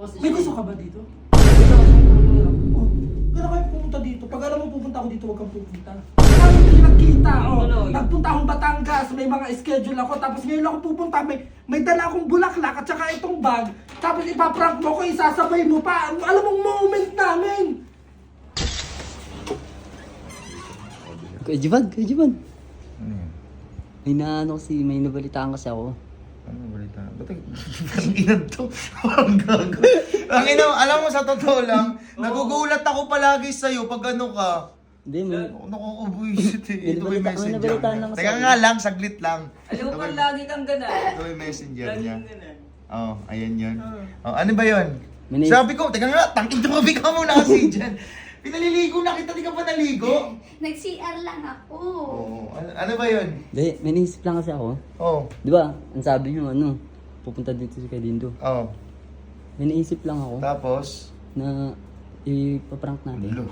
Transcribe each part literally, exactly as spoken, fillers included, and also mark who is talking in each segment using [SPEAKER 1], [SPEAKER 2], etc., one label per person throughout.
[SPEAKER 1] May gusto ka ba dito? Oh, kaya kayo pumunta dito. Pag alam mo pupunta ako dito, huwag kang pupunta. Kaya hindi nagkita, oh. Nagpunta akong Batangas, may mga schedule ako. Tapos ngayon ako pupunta, may, may dala akong bulaklak at saka itong bag. Tapos ipaprank mo ko, isasabay mo pa. Alam mong moment namin.
[SPEAKER 2] Kuya Jivan, Kuya Jivan.
[SPEAKER 3] Ano yan?
[SPEAKER 2] May naano kasi, may nabalitaan kasi ako.
[SPEAKER 3] Ano balita? Ba't ang inan to? Ang gago. Ang ina, alam mo sa totoo lang, nagugulat ako palagi sa'yo pag ano ka.
[SPEAKER 2] Hindi, may...
[SPEAKER 3] Nakukubuisit eh. Ito
[SPEAKER 2] May
[SPEAKER 3] may
[SPEAKER 2] nabalita- may
[SPEAKER 3] messenger
[SPEAKER 2] nabalitaan
[SPEAKER 3] niya.
[SPEAKER 2] lang
[SPEAKER 3] Teka
[SPEAKER 2] sa'yo.
[SPEAKER 3] nga lang, saglit lang.
[SPEAKER 4] Alam mo
[SPEAKER 3] Ito
[SPEAKER 4] ba
[SPEAKER 3] may-
[SPEAKER 4] lagi kang gana?
[SPEAKER 3] Ito may messenger
[SPEAKER 4] Lagi
[SPEAKER 3] niya.
[SPEAKER 4] kang gana.
[SPEAKER 3] Oh, ayan yun. Oh, ano ba yun?
[SPEAKER 2] May nais-
[SPEAKER 3] Sabi ko, teka nga, tangin tumabi ka muna kasi dyan. Pinaliligo na kita, di ka pa naligo?
[SPEAKER 5] Nag-C R lang ako.
[SPEAKER 3] Oo. Ano, ano ba yun?
[SPEAKER 2] Hindi, may naisip lang kasi ako.
[SPEAKER 3] Oh.
[SPEAKER 2] Di ba, ang sabi niyo, ano, pupunta dito si Kuya Dindo.
[SPEAKER 3] Oh.
[SPEAKER 2] May naisip lang ako
[SPEAKER 3] Tapos?
[SPEAKER 2] na ipaprank natin.
[SPEAKER 3] Ulo.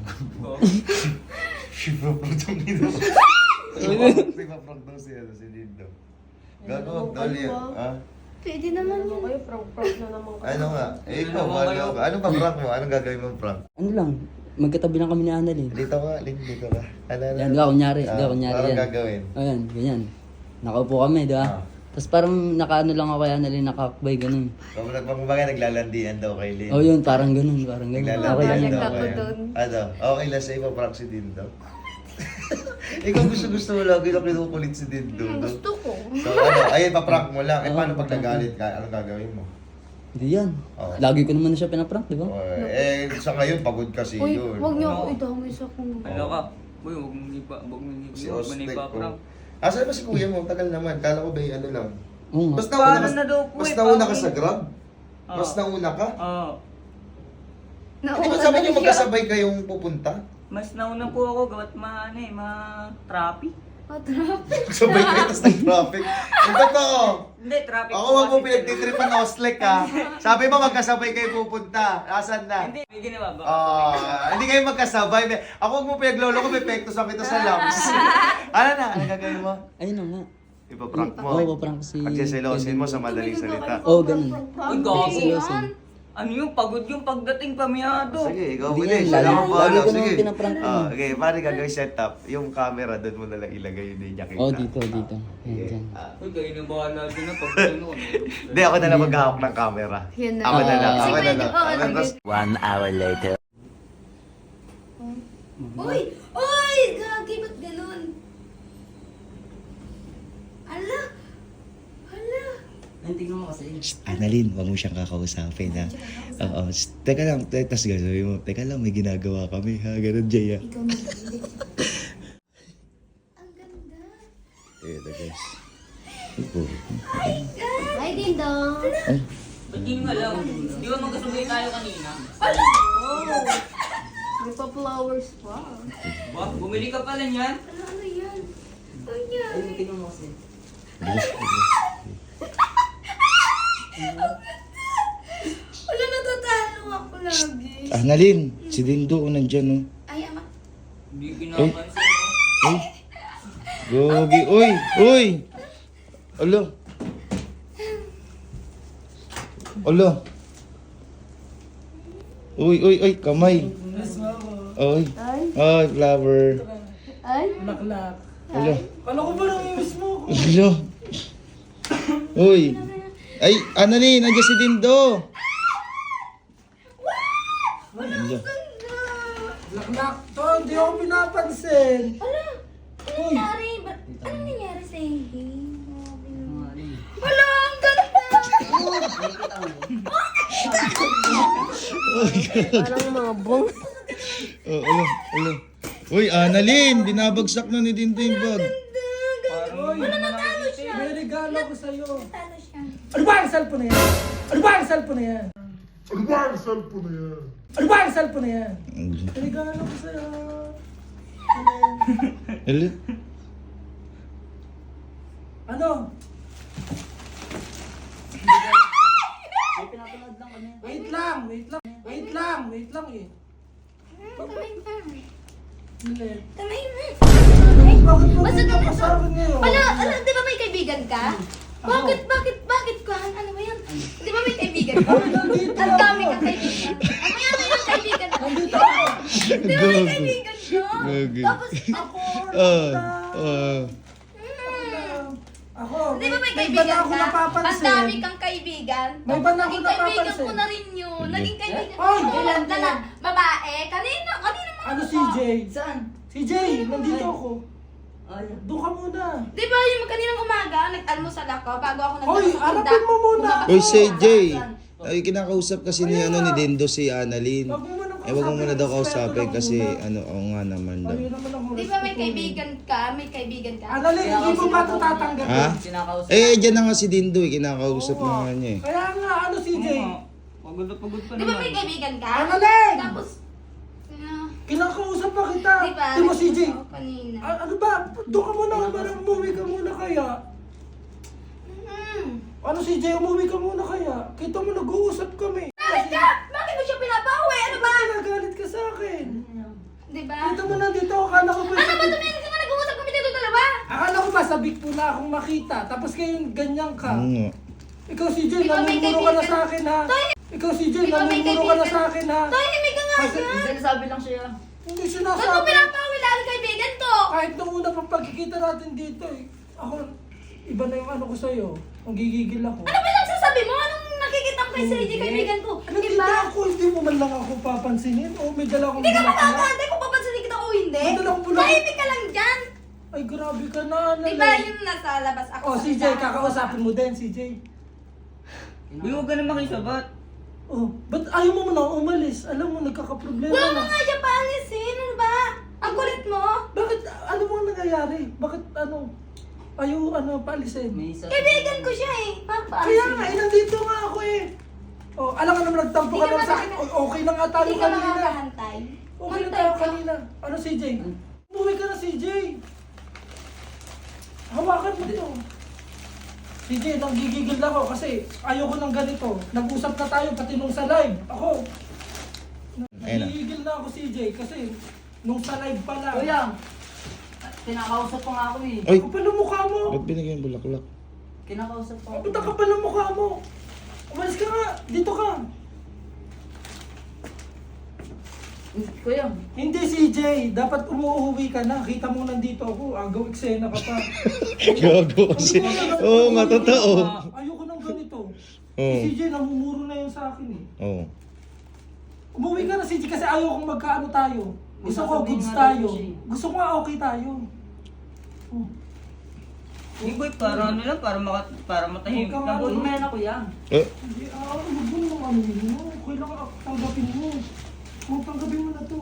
[SPEAKER 3] Shiva prank nito. Shiva prank daw si ano, si Dindo. Gago, dali. Ah?
[SPEAKER 5] Pwede naman yun.
[SPEAKER 6] Kayo, prank-prank na naman kayo.
[SPEAKER 3] Ano nga? Eh, ikaw, ano ka? Anong pa-prank mo? Anong gagawin mong prank?
[SPEAKER 2] Ano lang, magkatabi lang kami ni Annalyn.
[SPEAKER 3] Dito ka, link dito ka. Ano, ano?
[SPEAKER 2] Yan, di ba, kunyari, di ba,
[SPEAKER 3] Ah,
[SPEAKER 2] kunyari
[SPEAKER 3] parang
[SPEAKER 2] yan.
[SPEAKER 3] gagawin.
[SPEAKER 2] Ayan, ganyan. Nakaupo kami, di ba?
[SPEAKER 3] Ah.
[SPEAKER 2] Tapos parang nakaano lang ako kay Annalyn, nakakbay, ganun.
[SPEAKER 3] Kung nagpapabagay, naglalandian daw kay Lynn.
[SPEAKER 2] Oh yun, parang ganun, parang ganun. Okay lang
[SPEAKER 3] Naglalandian
[SPEAKER 2] yun.
[SPEAKER 3] daw
[SPEAKER 5] ako
[SPEAKER 3] kayo.
[SPEAKER 5] dun.
[SPEAKER 3] Ano? Okay lang sa'yo, pa-prank si Dindo. Ikaw gusto-gusto mo lagi na kinukulit si Dindo.
[SPEAKER 5] Ang gusto ko.
[SPEAKER 3] So ano, ayun, pa-prank mo lang. Eh,
[SPEAKER 2] Oo,
[SPEAKER 3] paano pag
[SPEAKER 2] pa-prank
[SPEAKER 3] nagalit ka? Anong gagawin mo?
[SPEAKER 2] Hindi yan.
[SPEAKER 3] Oo.
[SPEAKER 2] Lagi ko naman na siya pinaprank, di ba?
[SPEAKER 3] Oh, eh, sa ngayon, pagod kasi
[SPEAKER 5] Uy,
[SPEAKER 3] yun.
[SPEAKER 5] huwag niyo
[SPEAKER 4] Ano?
[SPEAKER 5] ako idamay sa kung...
[SPEAKER 4] Ano ka? Uy, huwag mong ipa, huwag mong ipa,
[SPEAKER 3] Si
[SPEAKER 4] huwag mong
[SPEAKER 3] Ostek
[SPEAKER 4] ipa-prank.
[SPEAKER 3] ko. Asan ba si kuya mo? Tagal naman. Kala ko ba yung ano lang?
[SPEAKER 2] Oo nga.
[SPEAKER 3] Basta
[SPEAKER 4] Paano
[SPEAKER 3] una ka,
[SPEAKER 4] na daw po
[SPEAKER 3] basta
[SPEAKER 4] eh,
[SPEAKER 3] una ka
[SPEAKER 4] paano
[SPEAKER 3] sa
[SPEAKER 4] yun?
[SPEAKER 3] Grab?
[SPEAKER 4] Oo.
[SPEAKER 3] Mas nauna ka?
[SPEAKER 4] Oo.
[SPEAKER 3] Hindi ba sabi niyo magkasabay kayong pupunta?
[SPEAKER 4] Mas nauna po ako, gawat ma, ano eh, ma-traffic.
[SPEAKER 5] Patrapin.
[SPEAKER 3] Sabay kayo, tapos nag-traffic. Yung totoo.
[SPEAKER 4] Hindi, traffic
[SPEAKER 3] Ako
[SPEAKER 4] po
[SPEAKER 3] wag mo
[SPEAKER 4] kasi
[SPEAKER 3] pinagtitripan na Oslek ha. Sabi mo magkasabay kayo pupunta. Asan na?
[SPEAKER 4] Hindi, may ginawa ba?
[SPEAKER 3] Ah, hindi kayo magkasabay. Ako wag mo pinaglolo ko, may pekto sa kita sa lungs. Ano na? Ano gagawin mo?
[SPEAKER 2] Ayun na nga.
[SPEAKER 3] Ipaprank mo.
[SPEAKER 2] Oo, paprank si...
[SPEAKER 3] Pagsiselosin mo sa madaling salita.
[SPEAKER 2] Oo, ganun.
[SPEAKER 4] Uy, gago.
[SPEAKER 2] Seryoso.
[SPEAKER 4] Ano yung pagod yung pagdating pamiyado?
[SPEAKER 3] Sige, ikaw
[SPEAKER 2] Hindi
[SPEAKER 3] muna.
[SPEAKER 2] yan,
[SPEAKER 3] Siya
[SPEAKER 2] lagi-
[SPEAKER 3] lang ang
[SPEAKER 2] lagi
[SPEAKER 3] bahala.
[SPEAKER 2] ko naman
[SPEAKER 3] Sige.
[SPEAKER 2] pinaprank yun.
[SPEAKER 3] Ah, okay, paano gagawin setup? Yung camera, doon mo na lang ilagay, hindi niya kita.
[SPEAKER 2] Oo, dito, dito. Ayan,
[SPEAKER 3] Sige.
[SPEAKER 2] dyan.
[SPEAKER 3] Ah,
[SPEAKER 4] Uy, kayo na bahala din na pag ano.
[SPEAKER 3] Hindi, ako na lang maghahawak ng camera.
[SPEAKER 5] Yan na.
[SPEAKER 3] Ako na lang,
[SPEAKER 2] Ah.
[SPEAKER 3] ako na
[SPEAKER 5] Sige,
[SPEAKER 3] lang.
[SPEAKER 5] oo,
[SPEAKER 3] Ako na
[SPEAKER 5] sige.
[SPEAKER 3] lang.
[SPEAKER 2] One hour later.
[SPEAKER 5] Uy! Uy! Gagi, ba't ganun? Ala! Ala!
[SPEAKER 2] Ayun, tingnan mo kasi.
[SPEAKER 3] Annalyn, wag mo siyang kakausapin ha. Oo, shh, teka lang, te- tas gagawin mo, teka lang, may ginagawa kami ha, ganun Jay ha.
[SPEAKER 5] Ikaw na. Hindi. Ang ganda.
[SPEAKER 3] Eh, the guys.
[SPEAKER 5] Hi, Dindong.
[SPEAKER 4] Ba't di nga lang? Di ba magkasabay tayo kanina?
[SPEAKER 5] Oh! May pa-flowers pa.
[SPEAKER 4] Ba, bumili ka pala niyan?
[SPEAKER 5] Ano, ano yan? Ano yan?
[SPEAKER 2] Ayun, tingnan mo kasi.
[SPEAKER 5] Wala, natatalo ako lagi.
[SPEAKER 3] Annalyn, si Dindo o nandyan oh.
[SPEAKER 5] Ay, ama.
[SPEAKER 4] Hindi pinapansin mo.
[SPEAKER 3] Uy, gogi, uy, uy. Alo. Alo. Uy, uy, uy, kamay. Uy.
[SPEAKER 5] Ay.
[SPEAKER 3] Ay, flower.
[SPEAKER 5] Ay.
[SPEAKER 1] Bulaklak.
[SPEAKER 3] Alo.
[SPEAKER 1] Kala ko ba namimiss mo ako?
[SPEAKER 3] Alo. Uy. Ay, Annalyn, nandiyan si Dindo. Alo.
[SPEAKER 1] Bulaklak to, hindi ako pinapansin.
[SPEAKER 5] Ala! Ano
[SPEAKER 1] Uy.
[SPEAKER 5] nangyari? Ba- ano nangyari sa hindi?
[SPEAKER 2] Mga ano eh.
[SPEAKER 5] Wala! Ang ganda! Parang mga bong.
[SPEAKER 3] Oh, alo, alo. Uy, Annalyn, binabagsak na ni Dindo yung bag.
[SPEAKER 5] Wala, natalo siya.
[SPEAKER 1] May regalo ko sa'yo.
[SPEAKER 5] Natalo siya.
[SPEAKER 1] Ano ba ang cellphone na yan? Ano ba ang cellphone na yan? Ano ba ang cellphone na yan? Ano ba ang cellphone na yan? May regalo ko sa'yo.
[SPEAKER 3] Alo.
[SPEAKER 1] Ano?
[SPEAKER 2] May pinapanood lang kami.
[SPEAKER 1] Wait lang, wait lang. Wait lang, wait lang eh.
[SPEAKER 5] Kamay na.
[SPEAKER 1] Milet.
[SPEAKER 5] Kamay na.
[SPEAKER 1] Bakit mo
[SPEAKER 5] Basta
[SPEAKER 1] hindi ka
[SPEAKER 5] ito-
[SPEAKER 1] kasama ngayon?
[SPEAKER 5] Ala, ala, di ba may kaibigan ka? Bakit, bakit, bakit ka? Ano ba yan? Di ba may kaibigan ka?
[SPEAKER 1] Ano nandito?
[SPEAKER 5] Ang dami Di ba may kaibigan ko?
[SPEAKER 3] Gagi.
[SPEAKER 5] Tapos,
[SPEAKER 1] Ako,
[SPEAKER 3] Ah,
[SPEAKER 1] lang.
[SPEAKER 3] ah.
[SPEAKER 1] lang. Ako,
[SPEAKER 5] di ba may
[SPEAKER 1] iba na
[SPEAKER 5] kaibigan
[SPEAKER 1] ako
[SPEAKER 5] ka?
[SPEAKER 1] napapansin.
[SPEAKER 5] Ang dami kang kaibigan.
[SPEAKER 1] May iba na ako
[SPEAKER 5] Naging kaibigan
[SPEAKER 1] napapansin.
[SPEAKER 5] ko na rin yun. Naging kaibigan ko.
[SPEAKER 1] Ay!
[SPEAKER 5] Ilan na babae? Kanina, kanina mga
[SPEAKER 1] Ano si Jay?
[SPEAKER 4] Saan?
[SPEAKER 1] Si Jay, nandito ako.
[SPEAKER 4] Ay,
[SPEAKER 1] Doon ka muna.
[SPEAKER 5] Di ba yung kaninang umaga, nag-almusal ako bago ako nag
[SPEAKER 1] Hoy, harapin mo muna.
[SPEAKER 3] Uy, si Jay. Ay, kinakausap kasi ni ano ni Dindo si Annalyn.
[SPEAKER 1] Wag mo muna
[SPEAKER 3] Eh, wag mo muna daw kausapin
[SPEAKER 1] respeto lang
[SPEAKER 3] kasi
[SPEAKER 1] muna.
[SPEAKER 3] ano, oo nga naman daw.
[SPEAKER 1] Ayun naman ako.
[SPEAKER 5] Di ba may kaibigan ka? May kaibigan ka?
[SPEAKER 1] Annalyn, hindi mo ba ito tatanggapin?
[SPEAKER 3] Ha?
[SPEAKER 4] kinakausap.
[SPEAKER 3] Eh, dyan na nga si Dindo eh. Kinakausap na nga niya eh.
[SPEAKER 1] Kaya nga, ano si Jay?
[SPEAKER 4] Pagod na pagod pa
[SPEAKER 5] Di ba
[SPEAKER 4] naman.
[SPEAKER 5] may kaibigan ka?
[SPEAKER 1] Annalyn!
[SPEAKER 5] Tapos, ah,
[SPEAKER 1] Kinakausap pa kita.
[SPEAKER 5] di ba?
[SPEAKER 1] Di mo si Jay?
[SPEAKER 5] Ako kanina.
[SPEAKER 1] A- ano ba? Doon ka muna. Parang umuwi ka muna kaya.
[SPEAKER 5] Hmm.
[SPEAKER 1] Ano si Jay? Umuwi ka muna kaya. Kita mo, nag-uusap kami.
[SPEAKER 5] Bakit ka? Bakit mo siya pinabawi? Ano ba?
[SPEAKER 1] Bakit nagalit ka sa akin?
[SPEAKER 5] Di ba?
[SPEAKER 1] Kita mo nandito. Akala ko ba?
[SPEAKER 5] Ano ba tumingin ka nga nag-uusap kami dito dalawa?
[SPEAKER 1] Akala ko ba sabik po na akong makita. Tapos ngayon ganyan ka.
[SPEAKER 3] Oo nga.
[SPEAKER 1] Ikaw si Jay,
[SPEAKER 5] Ikaw may
[SPEAKER 1] namumuro ka na
[SPEAKER 5] kaibigan.
[SPEAKER 1] sa akin ha.
[SPEAKER 5] Toy,
[SPEAKER 1] Ikaw si Jay,
[SPEAKER 5] Ikaw may
[SPEAKER 1] namumuro ka na
[SPEAKER 5] kaibigan.
[SPEAKER 1] sa akin ha.
[SPEAKER 5] tahimik ka nga
[SPEAKER 1] Kasi-
[SPEAKER 5] yan.
[SPEAKER 4] Sinasabi lang siya.
[SPEAKER 1] Hindi
[SPEAKER 5] Ba't mo
[SPEAKER 1] sinasabi.
[SPEAKER 5] pinapawi lagi kaibigan ko?
[SPEAKER 1] Kahit nung una pang pagkikita natin dito eh. Ako, iba na yung ano ko sa'yo. Ang gigigil ako.
[SPEAKER 5] Ano ba yung sasabi mo? Anong nakikita mo kay Sir J, kaibigan ko?
[SPEAKER 1] Ano,
[SPEAKER 5] Di
[SPEAKER 1] hindi
[SPEAKER 5] ba?
[SPEAKER 1] ako, hindi mo man lang ako papansinin. O may dala akong
[SPEAKER 5] Hindi ka
[SPEAKER 1] bulaklak.
[SPEAKER 5] makakantay kung papansinin kita o hindi.
[SPEAKER 1] May dala akong bulaklak.
[SPEAKER 5] Tahimik ka lang dyan.
[SPEAKER 1] Ay, grabe ka na. Ano
[SPEAKER 5] Di ba yung nasa labas ako?
[SPEAKER 1] Oh,
[SPEAKER 5] sa
[SPEAKER 1] si Jay,
[SPEAKER 5] tindahan?
[SPEAKER 1] kakausapin mo din, si Jay.
[SPEAKER 4] Uy, huwag ka na makisabat.
[SPEAKER 1] Oh, ba't ayaw mo muna umalis? Alam mo, nagkakaproblema
[SPEAKER 5] Wala mo
[SPEAKER 1] na.
[SPEAKER 5] nga siya paalisin. Ano ba? Ang kulit mo.
[SPEAKER 1] Bakit, ano mo ang nangyayari? Bakit, ano, ayaw, ano, paalisin?
[SPEAKER 4] May isa.
[SPEAKER 5] Kaibigan ko siya eh. Bakit
[SPEAKER 1] Kaya
[SPEAKER 5] paalisin
[SPEAKER 1] nga,
[SPEAKER 5] mo?
[SPEAKER 1] eh, nandito nga ako eh. Oh, alam ka naman, nagtampo
[SPEAKER 5] Hindi
[SPEAKER 1] ka
[SPEAKER 5] ka
[SPEAKER 1] lang sa akin.
[SPEAKER 5] makaka-
[SPEAKER 1] O- Okay na nga tayo
[SPEAKER 5] Hindi ka
[SPEAKER 1] kanina.
[SPEAKER 5] makakahantay.
[SPEAKER 1] Okay na
[SPEAKER 5] Hantay
[SPEAKER 1] tayo
[SPEAKER 5] ka.
[SPEAKER 1] kanina. Ano, C J? Umuwi ka na, C J. Hawakan mo to. C J, nanggigigil ako kasi ayoko ng ganito. Nag-usap na tayo pati nung sa live. Ako,
[SPEAKER 3] Ayun na.
[SPEAKER 1] nanggigigil na ako, C J, kasi nung sa live pa lang.
[SPEAKER 4] Kuya, kinakausap pa nga ako eh.
[SPEAKER 3] Ay,
[SPEAKER 1] Kapal ang mukha mo.
[SPEAKER 3] ba't binigyan yung bulaklak?
[SPEAKER 4] Kinakausap pa ako.
[SPEAKER 1] Ba't ang kapal ang mukha mo? Umalis ka nga. Dito ka.
[SPEAKER 4] Kuya,
[SPEAKER 1] Hindi, C J. Dapat umuuwi ka na. Kita mo nandito ako. Agaw eksena ka pa.
[SPEAKER 3] Gago kasi. Oo nga, totoo.
[SPEAKER 1] Ayoko ng ganito.
[SPEAKER 3] Oo.
[SPEAKER 1] Si C J, namumuro na yun sa akin eh.
[SPEAKER 3] Oo.
[SPEAKER 1] Umuwi ka na, C J, kasi ayaw kong magkaano tayo. Gusto ko
[SPEAKER 4] Sasabihin
[SPEAKER 1] goods
[SPEAKER 4] nga daw
[SPEAKER 1] tayo.
[SPEAKER 4] siya eh.
[SPEAKER 1] Gusto ko nga okay tayo. Oh.
[SPEAKER 4] hindi boy, para ano lang, para, maka, para matahimik
[SPEAKER 1] Huwag
[SPEAKER 4] lang.
[SPEAKER 1] kang ano.
[SPEAKER 4] Huwag na kuya.
[SPEAKER 3] Eh,
[SPEAKER 1] Hindi, ah, huwag mo nang ano yun mo. Kailangan tanggapin mo. Huwag tanggapin mo na to.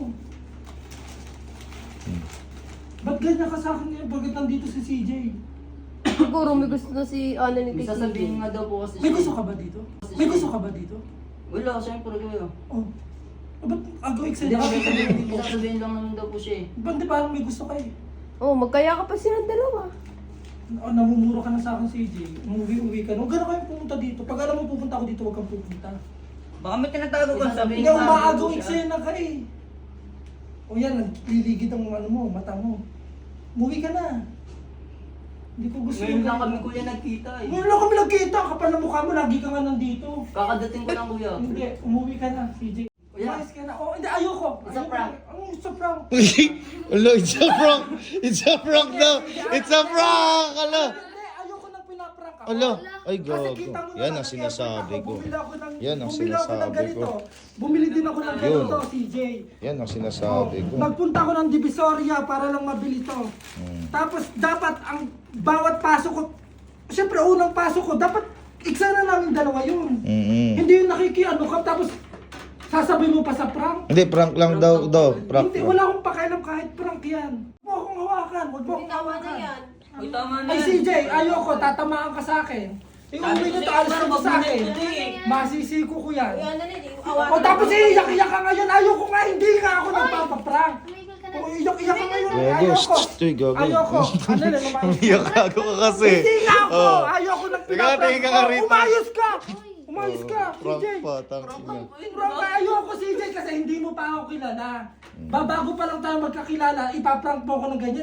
[SPEAKER 1] Ba't ganyan ka sa akin ngayon? Bakit nandito si C J?
[SPEAKER 6] Siguro may gusto na si Ana ni
[SPEAKER 4] May
[SPEAKER 6] Tiki.
[SPEAKER 4] sasabihin nga daw po kasi
[SPEAKER 1] May
[SPEAKER 4] siya
[SPEAKER 1] gusto
[SPEAKER 4] eh.
[SPEAKER 1] ka ba dito? May gusto ka ba dito?
[SPEAKER 4] Wala, siyempre kuya.
[SPEAKER 1] Oh. Ah, ba't agaw
[SPEAKER 4] Hindi
[SPEAKER 1] eksena
[SPEAKER 4] ako
[SPEAKER 1] ka?
[SPEAKER 4] sasabihin, hindi sasabihin lang naman daw po siya eh.
[SPEAKER 1] Ba't di parang may gusto ka eh?
[SPEAKER 6] Oh, magkaya ka pa silang dalawa.
[SPEAKER 1] Oh, namumuro ka na sa akin, C J. Umuwi-uwi ka. Huwag ka na kayo pumunta dito. Pag alam mo pupunta ako dito, huwag kang pupunta.
[SPEAKER 4] Baka may tinatago ka sabihin
[SPEAKER 1] Hindi,
[SPEAKER 4] sa akin
[SPEAKER 1] umaagaw
[SPEAKER 4] po siya.
[SPEAKER 1] eksena ka eh. O yan, nagliligid ang ano mo, mata mo. Umuwi ka na. Hindi ko gusto
[SPEAKER 4] Ngayon
[SPEAKER 1] yung
[SPEAKER 4] lang
[SPEAKER 1] ganito.
[SPEAKER 4] kami kuya nagkita eh.
[SPEAKER 1] Ngayon lang kami nagkita. Kapal na mukha mo, lagi ka nga nandito.
[SPEAKER 4] Kakadating ko lang kuya.
[SPEAKER 1] Hindi, umuwi ka na, C J.
[SPEAKER 4] Kuya.
[SPEAKER 1] Umayos ka na. Oh, hindi, ayoko.
[SPEAKER 4] It's a
[SPEAKER 1] Ayoko.
[SPEAKER 4] prank.
[SPEAKER 1] Ano, it's a prank.
[SPEAKER 3] Hello, it's a prank! It's a prank daw! It's a prank! Hala!
[SPEAKER 1] Hindi, ayoko nang pinaprank ako.
[SPEAKER 3] Hala! Ay,
[SPEAKER 1] Kasi
[SPEAKER 3] gago.
[SPEAKER 1] kita mo
[SPEAKER 3] Yan
[SPEAKER 1] naman,
[SPEAKER 3] ang sinasabi
[SPEAKER 1] ako,
[SPEAKER 3] ko.
[SPEAKER 1] Bumili ako ng,
[SPEAKER 3] Yan ang
[SPEAKER 1] bumili ako ng
[SPEAKER 3] sinasabi
[SPEAKER 1] ganito.
[SPEAKER 3] ko.
[SPEAKER 1] Bumili din ako ng
[SPEAKER 3] Yun.
[SPEAKER 1] ganito, C J.
[SPEAKER 3] Yan ang sinasabi ko.
[SPEAKER 1] Nagpunta ako ng Divisoria para lang mabili to.
[SPEAKER 3] Hmm.
[SPEAKER 1] Tapos dapat ang bawat pasok ko, siyempre unang pasok ko, dapat iksa na namin dalawa yun.
[SPEAKER 3] Mm-mm.
[SPEAKER 1] Hindi yung nakikiano ka, tapos sasabihin mo pa sa prank.
[SPEAKER 3] Hindi, prank lang daw, daw. Prank
[SPEAKER 1] Hindi,
[SPEAKER 3] lang.
[SPEAKER 1] wala akong pakialam kahit prank yan. Huwag mo akong hawakan, huwag mo akong hawakan.
[SPEAKER 4] Uy, tama na
[SPEAKER 1] Ay
[SPEAKER 4] yan.
[SPEAKER 1] C J, ayoko, tatamaan ka sa akin. Iuwi nyo to, alis mo sa akin. Masisiko ko yan. O tapos iiyak-iyak ka ngayon, ayoko nga, hindi nga ako nagpapaprank.
[SPEAKER 5] Tumigil ka na.
[SPEAKER 1] O iyak-iyak ka ngayon,
[SPEAKER 3] Gago,
[SPEAKER 1] ayoko.
[SPEAKER 3] shh, tuy, gago.
[SPEAKER 1] Ayoko. Ano na, lumayos
[SPEAKER 3] Umiyak
[SPEAKER 1] ka.
[SPEAKER 3] gago ka kasi.
[SPEAKER 1] Hindi nga ako,
[SPEAKER 3] Oh.
[SPEAKER 1] ayoko nang
[SPEAKER 3] Teka,
[SPEAKER 1] pinaprank.
[SPEAKER 3] tingin ka nga
[SPEAKER 1] Oh,
[SPEAKER 3] rito.
[SPEAKER 1] Umayos ka. Umayos ka, C
[SPEAKER 3] Prank
[SPEAKER 1] J.
[SPEAKER 3] pa, tangin na.
[SPEAKER 1] Prank ka, ayoko C J kasi hindi mo pa ako kilala. Babago pa lang tayo magkakilala, ipaprank mo ako ng ganyan.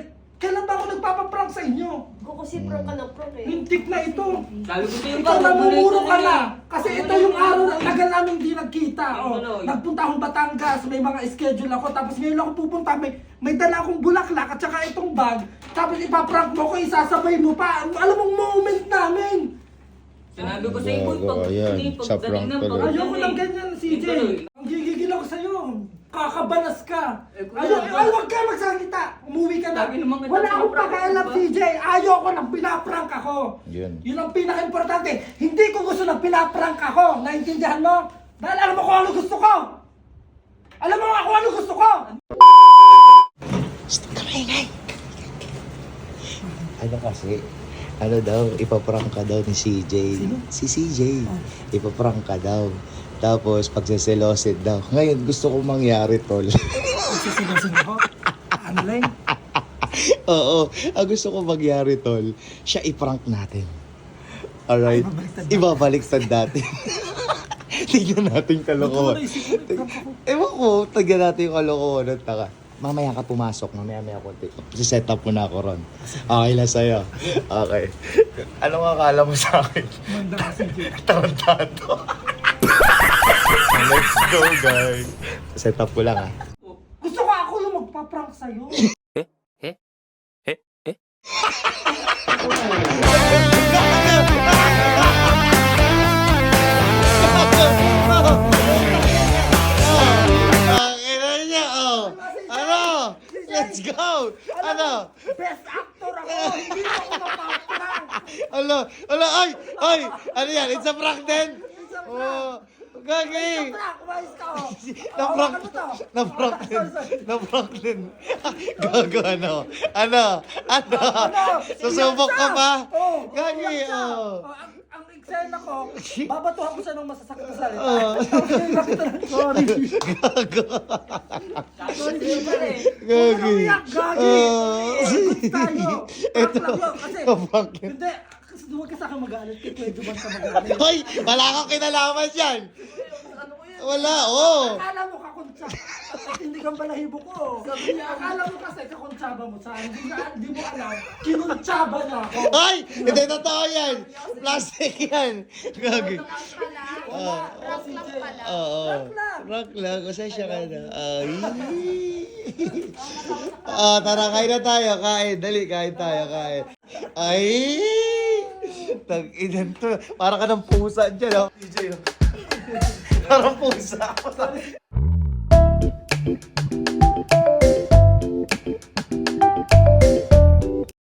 [SPEAKER 1] Kailan ba ako nagpapaprank sa inyo?
[SPEAKER 6] Kung kasi prank ka ng prank eh.
[SPEAKER 1] Lintik na ito.
[SPEAKER 4] Sabi ko sa'yo,
[SPEAKER 1] Ikaw
[SPEAKER 4] pag
[SPEAKER 1] namumuro ka
[SPEAKER 4] eh.
[SPEAKER 1] na. Kasi ito yung araw na tagal namin hindi nagkita. Oh.
[SPEAKER 4] Tuloy.
[SPEAKER 1] Nagpunta akong Batangas, may mga schedule ako. Tapos ngayon ako pupunta, may, may dala akong bulaklak at saka itong bag. Tapos ipaprank mo ko, isasabay mo pa. Alam mong moment namin.
[SPEAKER 4] Sinabi ko sa'yo, boy, pag
[SPEAKER 3] Gago, ayan.
[SPEAKER 4] hindi,
[SPEAKER 3] Sa
[SPEAKER 4] pagdating
[SPEAKER 3] prank
[SPEAKER 4] ng
[SPEAKER 3] tuloy.
[SPEAKER 4] pag-
[SPEAKER 1] Ayoko lang ganyan, C J.
[SPEAKER 4] Tuloy.
[SPEAKER 1] Ang gigigil ako sa'yo. Kakabalas ka.
[SPEAKER 4] Eh, kuya,
[SPEAKER 1] Ayaw, ay, huwag ka magsalita. Umuwi ka na.
[SPEAKER 4] Sabi naman kita,
[SPEAKER 1] Wala akong
[SPEAKER 4] pinaprank
[SPEAKER 1] pakialam,
[SPEAKER 4] ka
[SPEAKER 1] C J. Ayoko nang pinaprank ako.
[SPEAKER 3] Yun.
[SPEAKER 1] Yun ang pinaka-importante. Hindi ko gusto na pinaprank ako. Naintindihan mo? Dahil alam mo kung ano gusto ko. Alam mo kung ano gusto ko.
[SPEAKER 3] Ano kasi, ano daw, ipaprank ka daw ni C J. Si C J. Ipaprank ka daw. Tapos, pagseselosin daw. Ngayon, gusto kong mangyari, tol.
[SPEAKER 1] Sisigasin ako. Ano lang?
[SPEAKER 3] Oo, ang gusto kong mangyari, tol, siya iprank natin. Alright? Ibabaliktad natin. Tignan natin kalokohan. Ewan ko, tignan natin yung kalokohan ng taka. Mamaya ka pumasok, mamaya maya konti. Si-set up mo na ako ron. Okay na sa'yo. Okay. Anong akala mo sa akin?
[SPEAKER 1] Manda ka, C J.
[SPEAKER 3] Tarantado. Let's go, guys. Set up ko lang, ah.
[SPEAKER 1] Gusto ko ako yung magpa-prank sa'yo.
[SPEAKER 3] Ang ina niya, oh. Ano? Let's go. Ano?
[SPEAKER 1] Best actor ako. Hindi mo ako mapaprank.
[SPEAKER 3] Ano? Ano? Ay! Ay! Ano yan? It's a prank din? Oh, gagi!
[SPEAKER 1] Prank, umayos ka, oh.
[SPEAKER 3] Na-prank.
[SPEAKER 1] Hawakan mo to.
[SPEAKER 3] Na-prank din. Na-prank din. Gago, ano? Ano? Ano? Susubok ka pa?
[SPEAKER 1] Oh,
[SPEAKER 3] Gagi,
[SPEAKER 1] iyak siya.
[SPEAKER 3] oh.
[SPEAKER 1] Oh, ang, ang eksena ko, babatuhan ko siya ng masasakit na salita.
[SPEAKER 3] Oh.
[SPEAKER 1] Sorry.
[SPEAKER 3] Gago.
[SPEAKER 1] Sorry, sorry.
[SPEAKER 3] Gagi.
[SPEAKER 1] Huwag ka umiyak, gagi.
[SPEAKER 3] Oh.
[SPEAKER 1] Good tayo.
[SPEAKER 3] Ito.
[SPEAKER 1] Prank lang yun, kasi,
[SPEAKER 3] Na-prank yun.
[SPEAKER 1] hindi, kasi huwag ka sa akin mag-aalit, kay Kuya Juban ka mag-aalit.
[SPEAKER 3] Hoy! Wala kang kinalaman dyan! Wala, oh!
[SPEAKER 1] Akala mo kakuntsa. At hindi kang balahibo ko. Sabi niya, akala mo kasi kakuntsaba mo sa hindi, na, hindi mo alam, kinuntsaba niya ako.
[SPEAKER 3] Ay! Hindi totoo yan! Plastic yan! Gagi.
[SPEAKER 5] Pala. Prank lang pala.
[SPEAKER 3] Oo.
[SPEAKER 1] Prank lang.
[SPEAKER 3] Prank lang. Pasensya ka na. Ay. Ah, tara, kain na tayo. Kain. Dali, kain tayo. Kain. Ay! Tag-inan to. Para ka ng pusa dyan, oh. Parang pusa.